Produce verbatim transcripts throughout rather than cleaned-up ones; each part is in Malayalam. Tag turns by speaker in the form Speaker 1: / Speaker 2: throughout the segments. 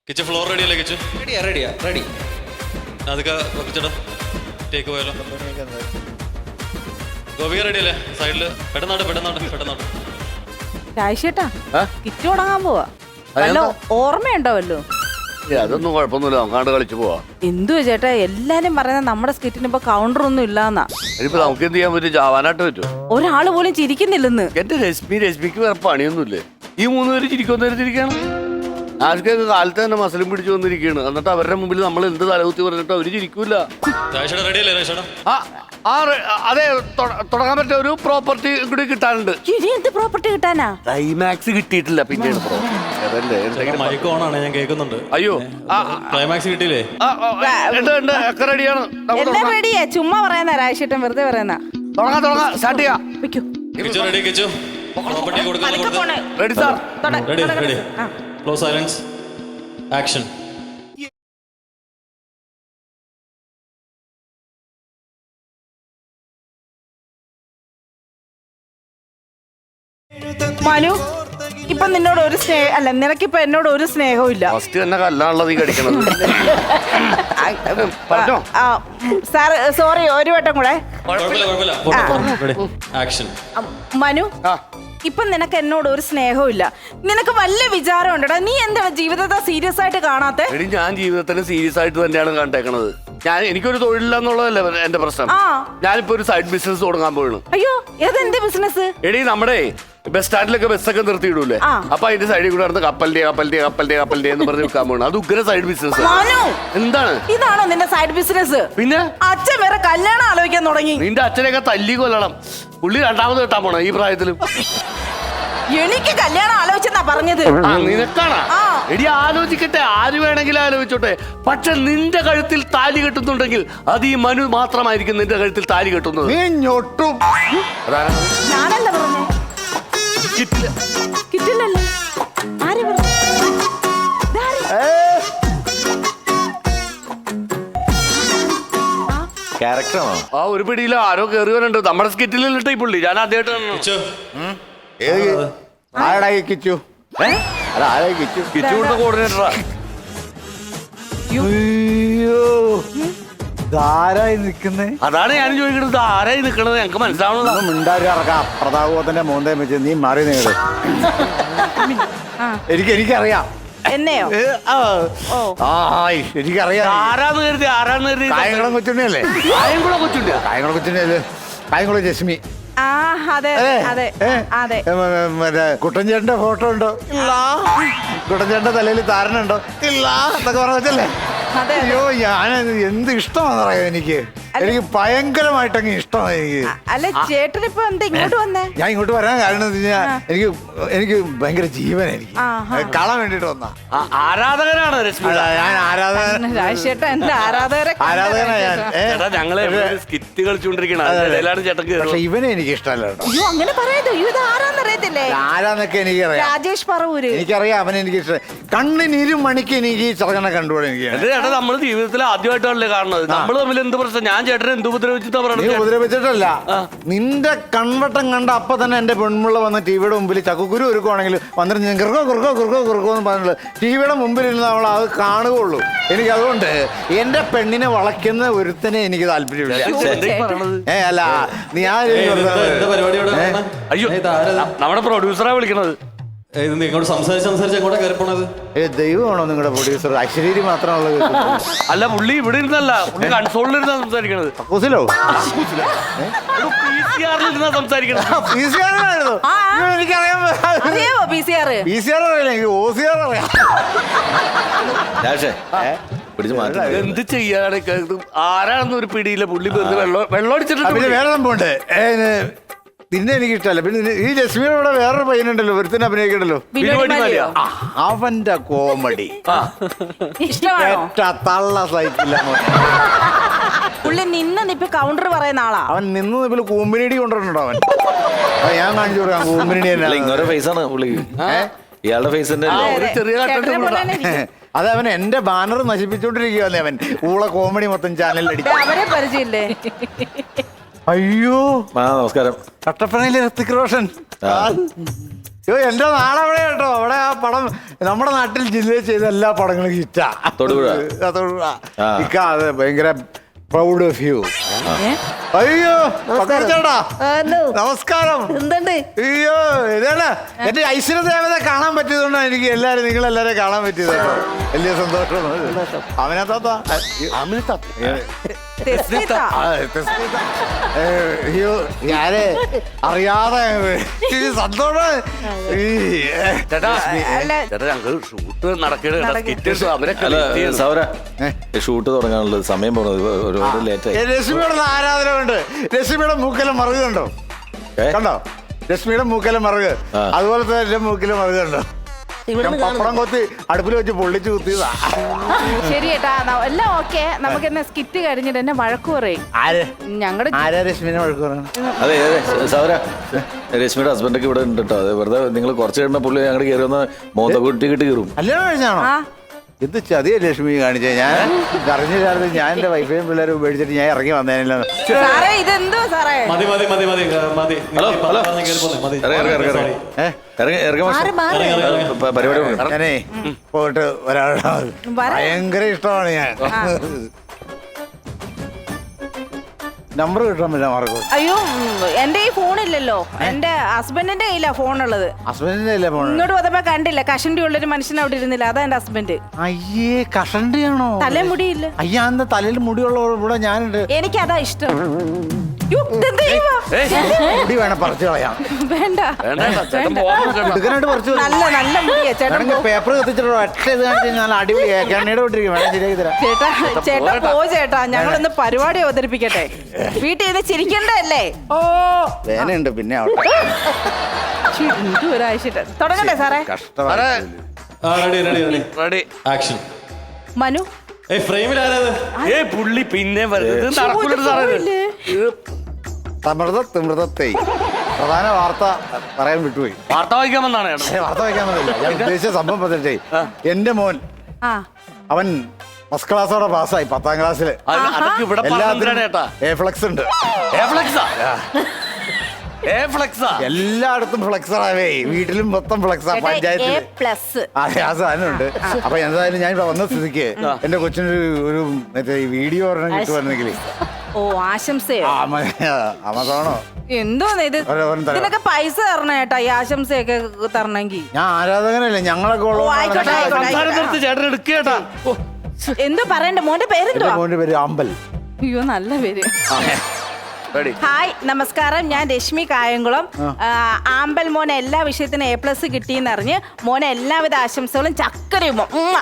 Speaker 1: കിച്ചു ഫ്ലോർ റെഡി അല്ലേ കിച്ചു?
Speaker 2: റെഡിയാ റെഡിയാ റെഡി.
Speaker 1: അതൊക്കെ വെച്ചിടാം. ടേക്ക് പോയാലോ? ഗോപിക റെഡി അല്ലേ? സൈഡില് പെട്ടെന്നാട് പെട്ടെന്നാട് പെട്ടെന്നാട്.
Speaker 3: രാജേട്ടാ കിറ്റ് തുടങ്ങാൻ പോവാ. വല്ല ഓർമ്മയുണ്ടാവല്ലോ?
Speaker 4: അതൊന്നും കുഴപ്പമൊന്നുമില്ല, നമുക്കാണ്ട് കളിച്ചു പോവാ.
Speaker 3: എന്തുവാ ചേട്ടാ എല്ലാരും പറയുന്നത് നമ്മുടെ സ്കിറ്റിന് ഇപ്പൊ കൗണ്ടർ ഒന്നും ഇല്ലാന്നാ.
Speaker 4: ഇനിയിപ്പോ നമുക്ക് എന്ത് ചെയ്യാൻ പറ്റും? ചാവാനായിട്ട് പറ്റും.
Speaker 3: ഒരാള് പോലും ചിരിക്കുന്നില്ലെന്ന്.
Speaker 4: എന്റെ രശ്മി രശ്മിക്ക് വേറെ പണിയൊന്നുമില്ലേ? ഈ മൂന്ന് പേര് ചിരിക്കൊന്നേരം ചിരിക്കാണ്. ആർക്കൊക്കെ കാലത്ത് തന്നെ മസലും പിടിച്ചു വന്നിരിക്കുകയാണ്. എന്നിട്ട് അവരുടെ മുമ്പിൽ നമ്മൾ എന്ത് തലകുത്തി പറഞ്ഞിട്ട് അവര് ചിരിക്കൂല.
Speaker 1: റെഡി അല്ലേ രാജേട്ടാ?
Speaker 4: ആ ആ അതെ, തുടങ്ങാൻ പറ്റിയ ഒരു പ്രോപ്പർട്ടി കൂടി കിട്ടാനുണ്ട്.
Speaker 3: ഇനി എന്ത് പ്രോപ്പർട്ടി കിട്ടാനാ?
Speaker 4: ക്ലൈമാക്സ് കിട്ടിയിട്ടില്ല. പിന്നെ
Speaker 1: മൈക്ക് ഓൺ ആണ്, ഞാൻ കേൾക്കുന്നുണ്ട്.
Speaker 4: അയ്യോ,
Speaker 1: ക്ലൈമാക്സ് കിട്ടിയില്ലേ?
Speaker 4: ഒക്കെ റെഡിയാണ്.
Speaker 3: എല്ലാം റെഡിയാ, ചുമ്മാ പറയുന്ന രാജേട്ടൻ വെറുതെ പറയുന്ന.
Speaker 4: തുടങ്ങാം തുടങ്ങാം സ്റ്റാർട്ട് ചെയ്യാം.
Speaker 1: കിച്ചു റെഡി? കിച്ചു പ്രോപ്പർട്ടി കൊടുക്കാൻ
Speaker 4: ready sir?
Speaker 1: Ready ready. Close silence, action.
Speaker 3: Manu, ഇപ്പൊ നിന്നോട് ഒരു സ്നേഹം അല്ല, നിനക്കിപ്പൊ എന്നോട് ഒരു സ്നേഹവും ഇല്ല.
Speaker 4: ഫസ്റ്റ് തന്നെ കല്ലാണുള്ളത് ഈ കടിക്കണത്. പറഞ്ഞോ.
Speaker 3: സാർ സോറി, ഒരു വട്ടം കൂടെ.
Speaker 1: ആക്ഷൻ.
Speaker 3: മനു, ഇപ്പൊ നിനക്ക് എന്നോട് ഒരു സ്നേഹവും ഇല്ല. നിനക്ക് വല്ല വിചാരം ഉണ്ടടാ? നീ എന്താണ് ജീവിതത്തെ സീരിയസ് ആയിട്ട് കാണാത്തെ?
Speaker 4: എടി, ഞാൻ ജീവിതത്തിന് സീരിയസ് ആയിട്ട് തന്നെയാണ് കണ്ടേക്കണത്. ഞാൻ എനിക്കൊരു തൊഴിലില്ല എന്നുള്ളതല്ലേ എന്റെ പ്രശ്നം. ഞാനിപ്പോ ഒരു സൈഡ് ബിസിനസ് തുടങ്ങാൻ പോയാണ്.
Speaker 3: അയ്യോ, ഏതെന്ത് ബിസിനസ്?
Speaker 4: എടി, നമ്മുടെ ബസ് സ്റ്റാൻഡിലൊക്കെ ബസ്സൊക്കെ നിർത്തിയിടൂലേ, അപ്പൊ അതിന്റെ സൈഡിൽ കൂടെ നടന്ന് കപ്പലിന്റെ കപ്പലിന്റെ കപ്പലിന്റെ കപ്പലിന്റെ എന്ന് പറഞ്ഞ് വിൽക്കാൻ പോകണം. അത് ഉഗ്ര സൈഡ് ബിസിനസ്. എന്താണ്?
Speaker 3: ഇതാണോ നിന്റെ സൈഡ് ബിസിനസ്?
Speaker 4: പിന്നെ
Speaker 3: അച്ഛൻ വേറെ കല്യാണം ആലോചിക്കാൻ തുടങ്ങി.
Speaker 4: നിന്റെ അച്ഛനെയൊക്കെ തല്ലി കൊല്ലണം. പുള്ളി രണ്ടാമത് കെട്ടാൻ പോണ ഈ പ്രായത്തിലും.
Speaker 3: എനിക്ക് കല്യാണം ആലോചിച്ചെന്നാ പറഞ്ഞത്.
Speaker 4: നിനക്കാണ്? എടി, ആലോചിക്കട്ടെ, ആര് വേണമെങ്കിലും ആലോചിച്ചോട്ടെ. പക്ഷെ നിന്റെ കഴുത്തിൽ താലി കെട്ടുന്നുണ്ടെങ്കിൽ അത് ഈ മനു മാത്രമായിരിക്കും നിന്റെ കഴുത്തിൽ താലി കെട്ടുന്നത്.
Speaker 3: ഞാനല്ല പറഞ്ഞേ.
Speaker 4: കിട്ടില്ല.
Speaker 3: കിട്ടില്ലല്ലോ. ആര് പറഞ്ഞു?
Speaker 2: ക്യാരക്ടറാണോ?
Speaker 4: ആ ഒരു പിടിയില്ല, ആരോ കയറി വരണ്ട് നമ്മുടെ സ്കിറ്റിലിട്ട് ഈ പുള്ളി. ഞാൻ ആദ്യമായിട്ടാണ്.
Speaker 2: ആരായി കിച്ചു? ആരായി കിച്ചു?
Speaker 4: കിച്ചു കൊടുത്ത കോർഡിനേറ്ററാ.
Speaker 2: ആരായി നിക്കുന്നേ?
Speaker 4: അതാണ് ഞാൻ ചോദിക്കുന്നത്, ആരായി നിക്കണത്? ഞങ്ങക്ക് മനസ്സിലാവണല്ലോ.
Speaker 2: മിണ്ടാറിറക്കാം. പ്രതാപത്തിന്റെ മോന്തേ വെച്ച് നീ മാറി നേട്. എനിക്ക് എനിക്കറിയാം.
Speaker 3: എന്നെയോ?
Speaker 2: എനിക്കറിയാം.
Speaker 4: ആരാന്ന് കരുതി ആരാന്ന് കരുതി
Speaker 2: കായംകുളം കൊച്ചുണ്ണിയല്ലേ?
Speaker 4: കായംകുളം കൊച്ചുണ്ണിയ?
Speaker 2: കായംകുളം കൊച്ചുണ്ണിയല്ലേ? കായംകുളം ജസ്മി.
Speaker 3: ആ അതെ അതെ അതെ.
Speaker 2: മറ്റേ കുട്ടൻചേട്ടന്റെ ഫോട്ടോ ഉണ്ടോ? ഇല്ല. കുട്ടൻചേട്ടന്റെ തലയിൽ താരനുണ്ടോ? ഇല്ല. എന്നൊക്കെ പറഞ്ഞല്ലേ? അയ്യോ, ഞാൻ എന്ത് ഇഷ്ടമാണെന്ന് പറയാം. എനിക്ക് എനിക്ക് ഭയങ്കരമായിട്ടങ്ങ് ഇഷ്ടമാണ് എനിക്ക്.
Speaker 3: അല്ല ചേട്ടൻ ഇപ്പൊ എന്താ ഇങ്ങോട്ട് വന്നേ?
Speaker 2: ഞാൻ ഇങ്ങോട്ട് വരാൻ കാരണം എന്താ വെച്ചാൽ എനിക്ക് എനിക്ക് ഭയങ്കര ജീവൻ എനിക്ക് കാണാൻ വേണ്ടിട്ട് വന്നാ.
Speaker 4: ആരാധകനാണ് രശ്മി.
Speaker 2: ഞാൻ ആരാധകൻ.
Speaker 3: രാജേട്ടൻ എന്റെ ആരാധകരെ
Speaker 2: ആരാധകനാ ഞാൻ.
Speaker 4: ഞങ്ങള് സ്കിറ്റ് കളിച്ചുകൊണ്ടിരിക്കണം. ചേട്ടൻ.
Speaker 2: പക്ഷെ ഇവനെ എനിക്ക് ഇഷ്ടമല്ല.
Speaker 3: അയ്യോ, അങ്ങനെ പറയാതോ. ഇത് ആരാന്നറിയത്തില്ലേ?
Speaker 2: ആരാന്നൊക്കെ എനിക്കറിയാം.
Speaker 3: രാജേഷ് പറവൂര്.
Speaker 2: എനിക്കറിയാം, അവനെ എനിക്ക് ഇഷ്ടം. കണ്ണിനിരും മണിക്ക് എനിക്ക് ഈ ചെറുക്കനെ കണ്ടുപോയി. എനിക്ക്
Speaker 4: ചേട്ടാ, നമ്മള് ജീവിതത്തിൽ ആദ്യമായിട്ടാണല്ലേ കാണുന്നത്. നമ്മള് തമ്മിൽ എന്ത് പ്രശ്നം? ഞാൻ ചേട്ടനെ എന്ത് ഉപദ്രവിച്ചിട്ടാ
Speaker 2: നീ
Speaker 4: പറയുന്നത്?
Speaker 2: ഉപദ്രവിച്ചിട്ടല്ല. നിന്റെ കൺവട്ടം കണ്ട അപ്പൊ തന്നെ എന്റെ പെൺമുള്ള വന്ന് ടിവിയുടെ മുമ്പിൽ ചക്കുക്കുരു ഒരുക്കുവാണെങ്കിൽ വന്നിട്ട് ഞാൻ കുറുക്കോ കുറുക്കോ കുറുക്കോ കുറുക്കോ എന്ന് പറഞ്ഞിട്ട് ടിവിയുടെ മുമ്പിൽ ഇരുന്ന് അവൾ അത് കാണുകയുള്ളൂ. എനിക്ക് അതുകൊണ്ട് എന്റെ പെണ്ണിനെ വളയ്ക്കുന്ന ഒരുത്തനെ എനിക്ക് താല്പര്യമില്ല. ഏ അല്ല, നീ ആ
Speaker 4: അയ്യോ, നമ്മുടെ പ്രൊഡ്യൂസറാ വിളിക്കണത്.
Speaker 1: ഇങ്ങോട്ട് സംസാരിച്ച് സംസാരിച്ച് എങ്ങോട്ടാ കയറി പോണത്?
Speaker 2: ഏ ദൈവമാണോ നിങ്ങളുടെ പ്രൊഡ്യൂസർ? അശ്വരീരി മാത്രമുള്ളത്.
Speaker 4: അല്ല, പുള്ളി ഇവിടെ ഇരുന്നല്ല, പുള്ളി കൺസോളിലിരുന്നാ സംസാരിക്കണത്.
Speaker 2: കുസിലോ?
Speaker 4: സംസാരിക്കണത്
Speaker 2: എനിക്കറിയാം.
Speaker 3: അറിയാമോ P C R?
Speaker 2: P C R അറിയില്ല, എനിക്ക് ഒ സി ആർ അറിയാം.
Speaker 4: എന്ത് ചെയ്യാനാണ്? ആരാണെന്ന് ഒരു പിടിയില്ല. പുള്ളി വെള്ളം വെള്ളം അടിച്ചിട്ട്.
Speaker 2: പിന്നെ വേറെ സംഭവമുണ്ട്. പിന്നെ എനിക്ക് ഇഷ്ടമല്ല. പിന്നെ ഈ ജസ്മീനോടെ വേറൊരു പയ്യനുണ്ടല്ലോ, ഒരുത്തിന് അഭിനയിക്കണ്ടല്ലോ, അവന്റെ കോമഡി തള്ള സൈക്കില്ല.
Speaker 3: പുള്ളി നിന്ന് നിപ്പ് കൗണ്ടർ പറയുന്ന ആളാ.
Speaker 2: അവൻ നിന്ന് നിപ്പിൽ കൂമ്പിനിടി കൊണ്ടുവരണോ അവൻ? ഞാൻ കാണിച്ചു കൊടുക്കാം കൂമ്പിനിടി.
Speaker 5: ഇങ്ങോട്ട് ഫേസ് ആണ് പുള്ളി. ഇയാളുടെ ഫേസ് തന്നെ
Speaker 2: അത് അവൻ എന്റെ ബാനർ നശിപ്പിച്ചോണ്ടിരിക്കുകയല്ലേ അവൻ. ഊള കോമഡി മൊത്തം ചാനലിൽ അടിച്ചു.
Speaker 3: അവരെ പരിചയമില്ലേ?
Speaker 2: അയ്യോ,
Speaker 5: ആ നമസ്കാരം.
Speaker 2: കട്ടപ്പനയിലെ ഋത്തിക് റോഷൻ. അയ്യോ എന്റെ നാളെവിടെ കേട്ടോ അവിടെ ആ പടം നമ്മുടെ നാട്ടിൽ ജില്ലയിൽ ചെയ്ത എല്ലാ പടങ്ങളും ഹിറ്റാ.
Speaker 5: തൊടുപുഴ.
Speaker 2: ആ, തൊടുപുഴ.
Speaker 5: ആ.
Speaker 2: ഇക്ക അത് ഭയങ്കര പ്രൗഡ് ഓഫ് യു. അയ്യോ ചേട്ടാ നമസ്കാരം.
Speaker 6: എന്തുണ്ട്?
Speaker 2: അയ്യോ ഇതാണ് എന്റെ ഐശ്വര്യ ദേവത കാണാൻ പറ്റിയതുകൊണ്ടാണ് എനിക്ക് എല്ലാരും നിങ്ങളെല്ലാരും കാണാൻ പറ്റിയത് കേട്ടോ. വലിയ സന്തോഷം. അവനെ താത്ത
Speaker 3: തെസ്മിത്ത.
Speaker 2: അയ്യോ ഞാന് അറിയാതെ ഈ സന്തോഷം. ഈ,
Speaker 4: ചേട്ടാ
Speaker 3: അല്ല.
Speaker 4: ചേട്ടാ ഞങ്ങൾ ഷൂട്ട് നടക്കണ സ്കിറ്റ് അവരൊക്കെ
Speaker 5: അല്ല
Speaker 4: wait ചെയ്യുന്നു.
Speaker 5: സൗര ഷൂട്ട് തുടങ്ങാനുള്ളത് സമയം പോകുന്നത് ഒരുപാട് ലേറ്റ്
Speaker 2: ഏ,
Speaker 5: ആയി.
Speaker 2: രശ്മിയുടെ ആരാധന ഉണ്ട്. രശ്മിയുടെ മൂക്കല മറുക കണ്ടോ?
Speaker 5: ഏ?
Speaker 2: കണ്ടോ രശ്മിയുടെ മൂക്കല മറുക?
Speaker 5: ആ.
Speaker 2: അതുപോലത്തെ എന്റെ മൂക്കിലെ മറുക കണ്ടോ?
Speaker 6: ഇവിടെ
Speaker 2: ഞാൻ പപ്പടം കൊത്തി അടുപ്പിൽ വെച്ച് പൊള്ളിച്ച് കുത്തിയതാ.
Speaker 3: ശരി ഏട്ടാ ന- എല്ലാം ഓക്കെ. നമുക്ക് എന്നെ സ്കിറ്റ് കഴിഞ്ഞിട്ട് എന്നെ വഴക്ക് പറയും.
Speaker 2: ആര്
Speaker 3: ഞങ്ങളുടെ
Speaker 2: ആരാ രശ്മിനെ വഴക്ക് പറയണം?
Speaker 5: അതെ അതെ സൗര രശ്മിയുടെ ഹസ്ബൻഡൊക്കെ ഇവിടെ ഉണ്ട് കേട്ടോ. അത് വെറുതെ നിങ്ങൾ കുറച്ച് കഴിയുമ്പോൾ പുള്ളി ഞങ്ങളുടെ കയറി വന്ന് മോത്ത കുട്ടി കിട്ടി കയറും.
Speaker 2: കല്യാണം കഴിഞ്ഞാണോ?
Speaker 3: ആ
Speaker 2: എന്ത് ചതിയ ലക്ഷ്മി കാണിച്ചേ. ഞാൻ അറിഞ്ഞില്ലായിരുന്നു. ഞാൻ എന്റെ വൈഫൈയും പിള്ളേരും ഉപേക്ഷിച്ചിട്ട് ഞാൻ ഇറങ്ങി വന്നേനില്ല.
Speaker 3: സാറേ ഇതെന്തോ സാറേ?
Speaker 1: മതി മതി മതി മതി മതി
Speaker 5: ഹലോ ഹലോ
Speaker 1: കേറി പോന്നെ, മതി.
Speaker 5: ഇറങ്ങി ഇറങ്ങി ഇറങ്ങി
Speaker 1: Sorry.
Speaker 5: ഇറങ്ങി ഇറങ്ങി ഇറങ്ങി
Speaker 6: മാറി
Speaker 5: മാഷെ.
Speaker 6: മാറി
Speaker 1: ഇറങ്ങി, ഇറങ്ങി, ഇറങ്ങി.
Speaker 5: പ- പരിപാടി തുടങ്ങാം.
Speaker 2: ഞാനേ പോയിട്ട് ഒരാളുടെ
Speaker 3: വരാം.
Speaker 2: ഭയങ്കര ഇഷ്ടമാണ് ഞാൻ. നമ്പർ കിട്ടാൻ പറ്റില്ല മാർക്കോ.
Speaker 3: അയ്യോ ഉം, എന്റെ ഈ ഫോണില്ലല്ലോ. എന്റെ ഹസ്ബൻഡിന്റെ കയ്യിലാ ഫോണുള്ളത്.
Speaker 2: ഹസ്ബൻഡിന്റെ അല്ലേ പോണേ?
Speaker 3: ഇങ്ങോട്ട് വന്നപ്പോ കണ്ടില്ല. കഷണ്ടി ഉള്ളൊരു മനുഷ്യൻ അവിടെ ഇരുന്നില്ല. അതാ എന്റെ ഹസ്ബൻഡ്.
Speaker 2: അയ്യേ കഷണ്ടിയാണോ?
Speaker 3: തലമുടിയില്ല.
Speaker 2: അയ്യാ എന്താ തലയിൽ മുടിയുള്ള ഇവിടെ ഞാനുണ്ട്.
Speaker 3: എനിക്ക് അതാ ഇഷ്ടം. യ്യോ, ഇതെന്താ ചെയ്യുവാ?
Speaker 2: മുടി വേണം പറിച്ചു കളയാം.
Speaker 3: വേണ്ട
Speaker 4: വേണ്ട ചേട്ടാ, ചേട്ടൻ പോവാൻ നോക്കണ്ട.
Speaker 2: എടുക്കാനായിട്ട് പറിച്ചു
Speaker 3: നല്ല നല്ല മുടിയാ ചേട്ടൻ.
Speaker 2: വേണമെങ്കിൽ പേപ്പർ കത്തിച്ചിട്ടോ ഒറ്റ ഇത് കാണിച്ച് നല്ല അടിപൊളി എണ്ണയുടെ വിട്ടിരിക്കും. വേണം ശരിയാക്കി തരാം.
Speaker 3: ചേട്ടാ ചേട്ടാ പോ ചേട്ടാ. ഞങ്ങളൊന്ന് പരിപാടി അവതരിപ്പിക്കട്ടെ. വീട്ടിൽ ഇത് ചിരിക്കണ്ടല്ലേ? ഓ
Speaker 2: വേനയുണ്ട് പിന്നെ അവിടെ
Speaker 3: ഒരാഴ്ച തുടങ്ങട്ടെ സാറേ.
Speaker 2: കഷ്ടമാണ്.
Speaker 4: സാറേ,
Speaker 1: ആ, ready, ready, ready.
Speaker 4: ready.
Speaker 1: Action.
Speaker 3: Manu
Speaker 1: ഏയ് ഫ്രെയിമിൽ ആരാത്?
Speaker 4: ഏയ് പുള്ളി പിന്നെ വരുന്നത് നടക്കൂല സാറേ ഇത്. ഇത്
Speaker 2: തമൃത തിമൃതത്തെ പ്രധാന വാർത്ത പറയാൻ വിട്ടുപോയി.
Speaker 4: വാർത്ത വായിക്കാൻ വന്നാണ് ചേട്ടാ.
Speaker 2: ഏ, വാർത്ത വയ്ക്കാൻ പറ്റില്ല. ഞാൻ ഉദ്ദേശിച്ച സംഭവം പറ്റേ എന്റെ മോൻ
Speaker 3: ആ
Speaker 2: അവൻ ഫസ്റ്റ് ക്ലാസ്സോടെ പാസ്സായി പത്താം ക്ലാസ്സില്.
Speaker 4: അത് അതൊക്കെ ഇവിടെ പറഞ്ഞിട്ടാണ് ചേട്ടാ.
Speaker 2: എ ഫ്ലെക്സ് ഉണ്ട്.
Speaker 4: ഏ ഫ്ലെക്സാ ഏ ഫ്ലെക്സാ
Speaker 2: എല്ലായിടത്തും ഫ്ലെക്സറാവേ. വീട്ടിലും മൊത്തം ഫ്ലെക്സാ.
Speaker 3: ചേട്ടാ,
Speaker 2: പഞ്ചായത്തിൽ
Speaker 3: A plus.
Speaker 2: അതെ ആ സാധനമുണ്ട്. അപ്പൊ എന്തായാലും ഞാൻ ഇവിടെ വന്ന സ്ഥിതിക്ക് എന്റെ കൊച്ചിനൊരു ഒരു മറ്റേ ഈ വീഡിയോ ഒരെണ്ണം കിട്ടുവായിരുന്നെങ്കിൽ
Speaker 3: ഓ ആശംസയോ?
Speaker 2: ആമസോണോ
Speaker 3: എന്തോന്ന് ഇത്?
Speaker 2: ഒരു- ഒരു തരാം.
Speaker 3: ഇതിനൊക്കെ പൈസ തരണം ചേട്ടാ. ഈ ആശംസയൊക്കെ തരണമെങ്കിൽ.
Speaker 2: ഞാൻ ആരാധകനല്ലേ ഞങ്ങളൊക്കെ
Speaker 3: ഓ, ആയിക്കോട്ടെ, ആയിക്കോട്ടെ.
Speaker 4: സംസാരം നിർത്തി ചേട്ടൻ എടുക്കുക ചേട്ടാ. ഓ,
Speaker 3: എന്തോ പറയണ്ട. മോന്റെ പേരെന്തുവാ?
Speaker 2: മോന്റെ പേര് അമ്പൽ.
Speaker 3: അയ്യോ നല്ല പേര്.
Speaker 4: ready.
Speaker 3: ഹായ് നമസ്കാരം. ഞാൻ രശ്മി കായംകുളം. ആ, ആമ്പൽ മോനെ എല്ലാ വിഷയത്തിനും എ പ്ലസ് കിട്ടിയെന്നറിഞ്ഞ് മോനെ എല്ലാവിധ ആശംസകളും ചക്കരയും ഉമ്മ.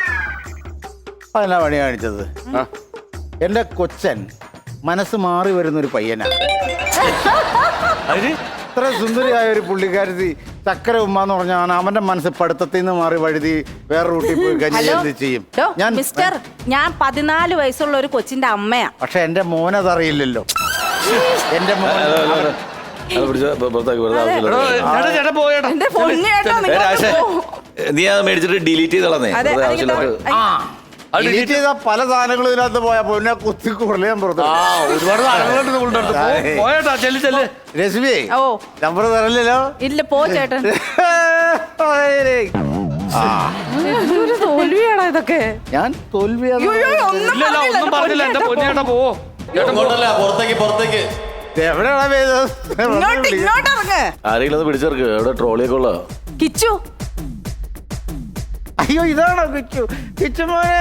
Speaker 2: അതെന്നാ പണി കാണിച്ചത്? എന്റെ കൊച്ചൻ മനസ്സ് മാറി വരുന്ന ഒരു പയ്യനാണ്.
Speaker 4: അതിന്
Speaker 2: ഇത്ര സുന്ദരിയായ ഒരു പുള്ളിക്കാരത്തി ചക്കര ഉമ്മ എന്ന് പറഞ്ഞാൽ അവന്റെ മനസ്സ് പഠിത്തത്തിൽ നിന്ന് മാറി വഴുതി വേറെ റൂട്ടിൽ പോയി കഴിഞ്ഞാൽ
Speaker 3: ഹലോ
Speaker 2: എന്ത് ചെയ്യും?
Speaker 3: ഡോ,
Speaker 2: ഞാൻ
Speaker 3: മിസ്റ്റർ ഞാൻ പതിനാല് വയസ്സുള്ള ഒരു കൊച്ചിന്റെ അമ്മയാ.
Speaker 2: പക്ഷെ എന്റെ മോനതറിയില്ലല്ലോ. എന്റെ മോൻ
Speaker 5: അത് അത് അത് പിടിച്ച് പു- പുറത്താക്കി വെറുതെ
Speaker 4: എടോ,
Speaker 5: ആവശ്യമില്ല.
Speaker 4: ചേട്ടാ ചേട്ടാ പോയേട്ടാ.
Speaker 3: എന്റെ പൊന്നിയേട്ടാ
Speaker 5: ഏ,
Speaker 3: നിങ്ങൾ
Speaker 5: രാശേ, നീ അത് മേടിച്ചിട്ട് ഡിലീറ്റ് ചെയ്ത് കളഞ്ഞേ.
Speaker 3: അതെ
Speaker 5: വെറുതെ
Speaker 3: അതിങ്ങനെ
Speaker 5: ആവശ്യമില്ല.
Speaker 3: ഐ,
Speaker 4: അത്
Speaker 2: ഡിലീറ്റ് ചെയ്ത പല സാധനങ്ങളും ഇതിനകത്ത് പോയാ പൊന്നെ കുത്തി കുറയാൻ പുറത്ത്.
Speaker 4: ആ ഒരുപാട് സാധനങ്ങളുണ്ട് നമ്മളുടെ അടുത്ത്. പോ- പോയേട്ടാ ചെല്ലു ചെല്ല്.
Speaker 2: രശ്മി
Speaker 3: ഓ
Speaker 2: നമ്പർ തരല്ലോ.
Speaker 3: ഇല്ല പോ ചേട്ടൻ. എന്തൊരു തോൽവിയാണോ ഇതൊക്കെ?
Speaker 2: ഞാൻ തോൽവിയാണ്.
Speaker 3: അയ്യോ, അയ്യോ, ഒന്നും
Speaker 4: ഇല്ല ഇല്ല ഒന്നും പറഞ്ഞില്ല. എന്റെ പൊന്നിയേട്ടാ പോവോ.
Speaker 1: ഇങ്ങോട്ടല്ല, പുറത്തേക്ക് പുറത്തേക്ക്.
Speaker 2: എവിടെയാണ് പേര്?
Speaker 3: ഇങ്ങോട്ട് ഇങ്ങോട്ട് ഇറങ്ങ്.
Speaker 5: ആരെങ്കിലും ഒന്ന് പിടിച്ചെടുക്ക്. എവിടെ ട്രോളിയൊക്കെ ഉള്ള
Speaker 3: കിച്ചു
Speaker 2: അയ്യോ ഇതാണോ കിച്ചു? കിച്ചു മോനെ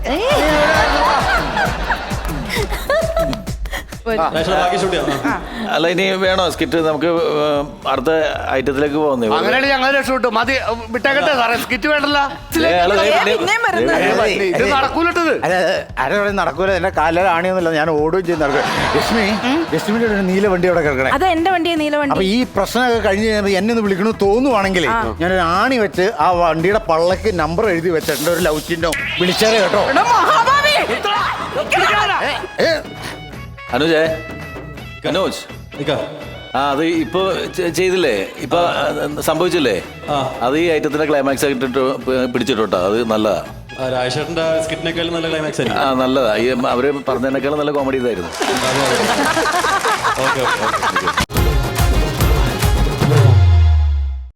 Speaker 1: രാഷ്ട്രീയ ബാക്കി ഷൂട്ട് ചെയ്യാം. ആ.
Speaker 5: അല്ല ഇനി വേണോ സ്കിറ്റ്? നമുക്ക് ഏർ, അടുത്ത ഐറ്റത്തിലേക്ക് പോകുന്നേ.
Speaker 4: അങ്ങനെയാണ് ഞങ്ങൾ രക്ഷപ്പെട്ടു. മതി വിട്ടേക്കട്ടെ സാറേ. സ്കിറ്റ് വേണ്ടല്ല.
Speaker 3: പിന്നെയും വരുന്നത്.
Speaker 4: ഇത് നടക്കൂലിട്ടത്.
Speaker 2: അല്ല ആരെ പറയും നടക്കൂല. എന്റെ കാലിൽ ആണിയൊന്നുമില്ല. ഞാൻ ഓടുകയും ചെയ്ത് നടക്കും. രശ്മി രശ്മിയുടെ ഒരു നീല വണ്ടി അവിടെ കിടക്കണേ.
Speaker 3: അത് എന്റെ വണ്ടിയെ നീല
Speaker 2: അപ്പൊ
Speaker 3: വണ്ടി.
Speaker 2: ഈ പ്രശ്നമൊക്കെ കഴിഞ്ഞ് കഴിയുമ്പോൾ എന്നെ ഒന്ന് വിളിക്കണമെന്ന് തോന്നുവാണെങ്കിൽ ഞാനൊരു ആണി വെച്ച് ആ വണ്ടിയുടെ പള്ളക്ക് നമ്പർ എഴുതി വെച്ചിട്ടുണ്ട്. ഒരു ലവ് ചിഹ്നം വിളിച്ചാലേ കേട്ടോ.
Speaker 3: എടാ മഹാഭാവി.
Speaker 2: ഏ,
Speaker 5: അനുജേ അനുജ്
Speaker 1: നിക്ക.
Speaker 5: ആ അത് ഇപ്പൊ ചെ- ചെയ്തില്ലേ? ഇപ്പൊ സംഭവിച്ചില്ലേ?
Speaker 1: ആ.
Speaker 5: അത് ഈ ഐറ്റത്തിന്റെ ക്ലൈമാക്സ് ആയിട്ട് പിടിച്ചിട്ടോട്ടോ. അത് നല്ലതാ.
Speaker 1: ആ, രാജേട്ടന്റെ സ്കിറ്റിനേക്കാളും നല്ല ക്ലൈമാക്സ് ആയിരിക്കും.
Speaker 5: ആ നല്ലതാ. ഈ അവര് പറഞ്ഞതിനേക്കാളും നല്ല കോമഡി ഇതായിരുന്നു.
Speaker 1: Okay okay